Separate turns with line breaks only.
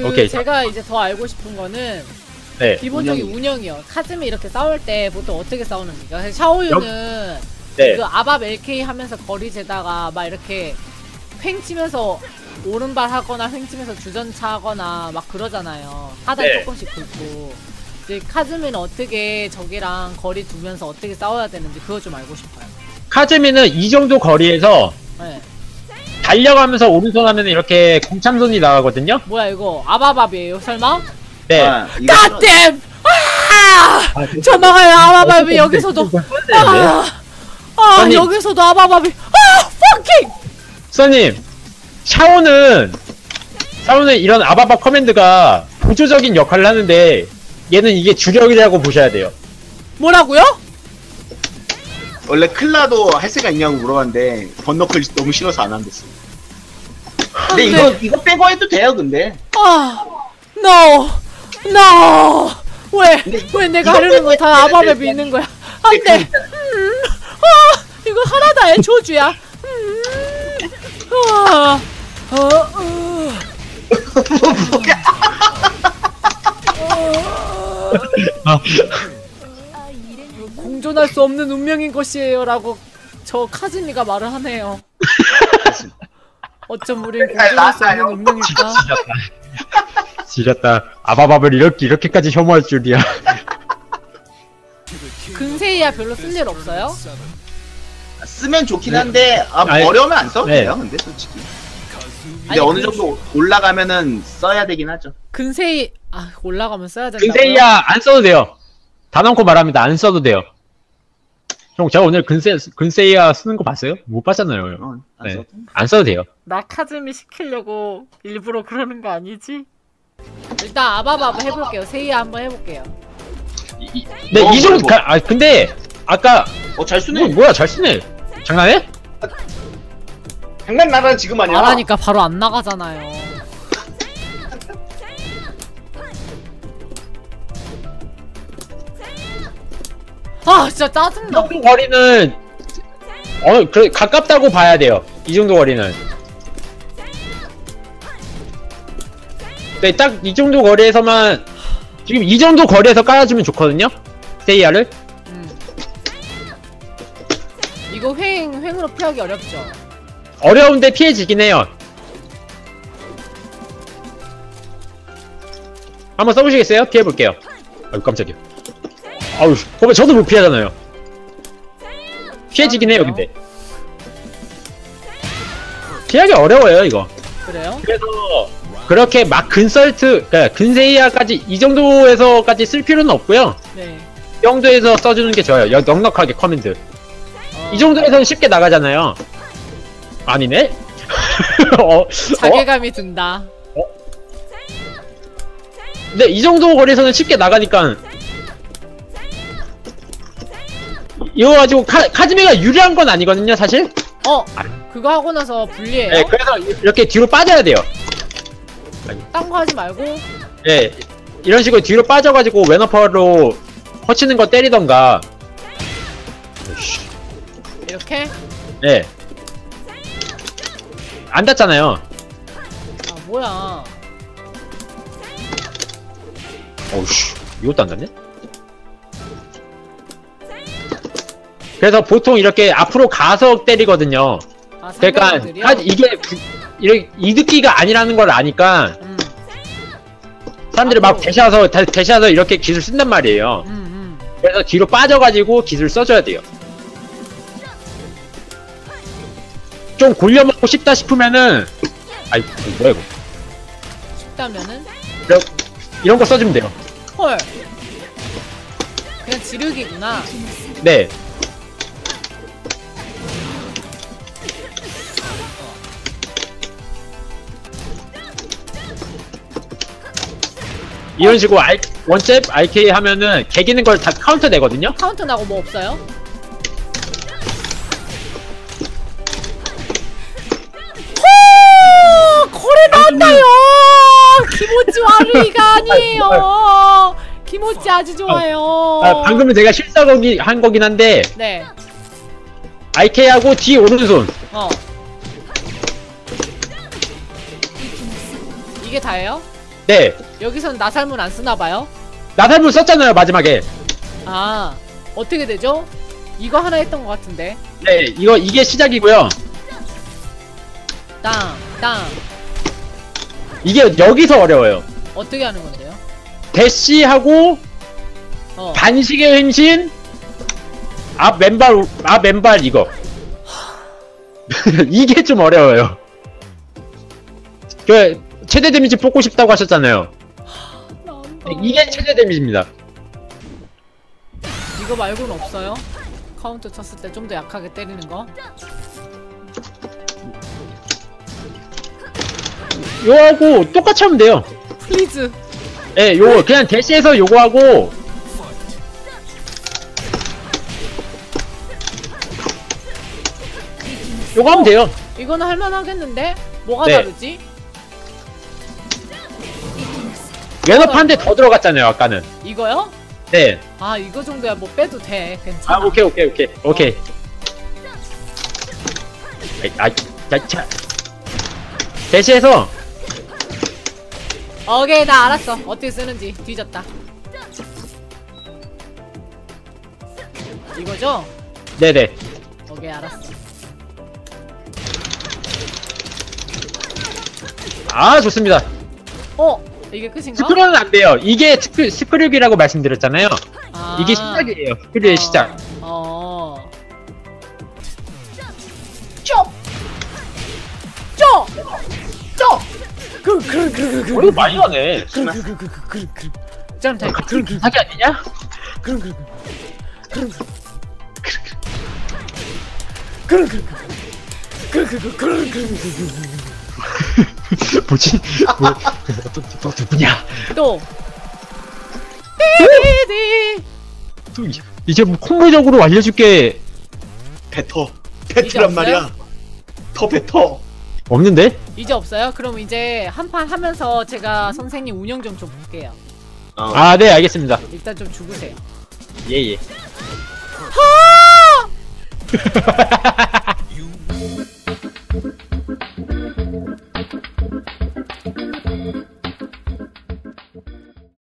오케이.
제가 이제 더 알고 싶은 거는
네.
기본적인 운영이요. 카즈미 이렇게 싸울 때 보통 어떻게 싸우는지가. 샤오유는
네.
그 아밥 LK 하면서 거리 재다가 막 이렇게 횡 치면서 오른발 하거나 횡 치면서 주전차 하거나 막 그러잖아요. 하단
네.
조금씩 긁고. 이제 카즈미는 어떻게 적이랑 거리 두면서 어떻게 싸워야 되는지 그거 좀 알고 싶어요.
카즈미는 이 정도 거리에서
네.
달려가면서 오른손 하면 이렇게 공참손이 나가거든요?
뭐야 이거 아바밥이에요 설마?
네.
갓댐! 아! 저 막아요 아바밥이 여기서도
선님.
여기서도 아바밥이 퍼킹!
선님, 샤오는 이런 아바바 커맨드가 보조적인 역할을 하는데 얘는 이게 주력이라고 보셔야 돼요.
뭐라고요?
원래 클라도 할 생각 있냐고 물어봤는데 번너클 너무 싫어서 안 한댔어. 근데 이거 빼고 해도 돼요 근데.
No! 왜 내가 하려는 거 다 아바밥이 있는 거야? 안 돼! 이거 하나 다 애초주야. 공존할 수 없는 운명인 것이에요 라고 저 카즈미가 말을 하네요. 어쩜 우린 공존할 수 없는 운명일까?
지렸다. 아바밥을 이렇게까지 혐오할 줄이야.
근세이야 별로 쓸 일 없어요?
쓰면 좋긴 한데
아니,
어려우면 안 써도
네.
돼요 근데 솔직히. 근데
아니,
어느 정도 올라가면은 써야 되긴 하죠.
근세이 올라가면 써야 된다고요?
근세이야 안 써도 돼요. 단언코 말합니다. 안 써도 돼요. 형, 제가 오늘 근세이야 쓰는 거 봤어요? 못 봤잖아요.
안
네.
써도.
안 써도 돼요.
나 카즈미 시키려고 일부러 그러는 거 아니지? 일단 아바바바 해볼게요. 세이야 한번 해볼게요.
네, 이 정도, 근데, 아까,
잘 쓰네.
뭐야, 잘 쓰네. 장난해?
장난 나라 지금 아니야.
말하니까 바로 안 나가잖아요. 진짜 짜증나.
이 정도 거리는, 가깝다고 봐야 돼요. 이 정도 거리는. 네, 딱 이 정도 거리에서만, 지금 이 정도 거리에서 깔아주면 좋거든요? 세이야를?
이거 횡으로 피하기 어렵죠?
어려운데 피해지긴 해요. 한번 써보시겠어요? 피해볼게요. 아유, 깜짝이야. 아우, 보면 저도 못 피하잖아요. 피해지긴 해요, 근데. 피하기 어려워요, 이거.
그래요?
그래서, 그렇게 막 그러니까 근세이야까지, 이 정도에서까지 쓸 필요는 없고요.
네.
이 정도에서 써주는 게 좋아요. 넉넉하게 커맨드. 이 정도에서는 쉽게 나가잖아요. 아니네?
자괴감이 든다.
근데 이 정도 거리에서는 쉽게 나가니까 이거 가지고 카즈미가 유리한 건 아니거든요, 사실?
그거 하고 나서 불리해요?
네, 그래서 이렇게 뒤로 빠져야 돼요.
딴 거 하지 말고?
네, 이런 식으로 뒤로 빠져가지고 왼어퍼로 허치는 거 때리던가.
이렇게?
네. 안 닿잖아요.
뭐야.
어우씨, 이것도 안 닿네? 그래서 보통 이렇게 앞으로 가서 때리거든요. 그러니까
상대방들이요?
이게 이렇게 이득기가 아니라는 걸 아니까 사람들이 막 대시해서 이렇게 기술 쓴단 말이에요. 그래서 뒤로 빠져가지고 기술 써줘야 돼요. 좀 골려먹고 싶다 싶으면은 뭐야 이거.
쉽다면은?
이런 거 써주면 돼요.
헐. 그냥 지르기구나.
네. 이런 식으로 원잽 RK 하면은 개기는 걸 다 카운터 내거든요?
카운트 나고 뭐 없어요? 거래 나온다요! 기모찌 와르이가 아니에요! 기모찌 아주 좋아요.
방금은 제가 한 거긴 한데,
네.
RK하고 뒤 오른손.
이게 다예요?
네.
여기서는 나살문 안 쓰나봐요?
나살물 썼잖아요, 마지막에.
아, 어떻게 되죠? 이거 하나 했던 것 같은데.
네, 이게 시작이고요.
땅, 땅.
이게 여기서 어려워요.
어떻게 하는 건데요?
대시하고,
어.
반식의 횡신, 앞 왼발 이거. 이게 좀 어려워요. 최대 데미지 뽑고 싶다고 하셨잖아요. 이게 최대 데미지입니다.
이거 말고는 없어요? 카운터 쳤을 때 좀 더 약하게 때리는 거?
요거하고 똑같이 하면 돼요.
플리즈.
예, 요거 그냥 대시해서 요거 하고 요거 하면 돼요.
이거는 할만하겠는데? 뭐가
네.
다르지?
왼업 한 대 더 들어갔잖아요, 아까는.
이거요?
네.
아, 이거 정도야 뭐 빼도 돼. 괜찮아.
아, 오케이. 자. 대시해서
오케이, 나 알았어. 어떻게 쓰는지. 뒤졌다. 이거죠?
네네.
오케이, 알았어.
아, 좋습니다.
이게 끝인가?
스크롤은 안 돼요. 이게 스크립이라고 말씀드렸잖아요.
아.
이게 시작이에요. 스크립의 시작. 이거 많이 가네.
짬 타임.
사기 아니냐? 뭐지? 너 누구냐?
또.
또 이제 뭐 콤보적으로 알려줄게
배트란
없어요?
말이야. 더 뱉어.
없는데?
이제 없어요? 그럼 이제 한 판 하면서 제가 선생님 운영 좀 볼게요.
아, 네, 알겠습니다.
일단 좀 죽으세요.
예.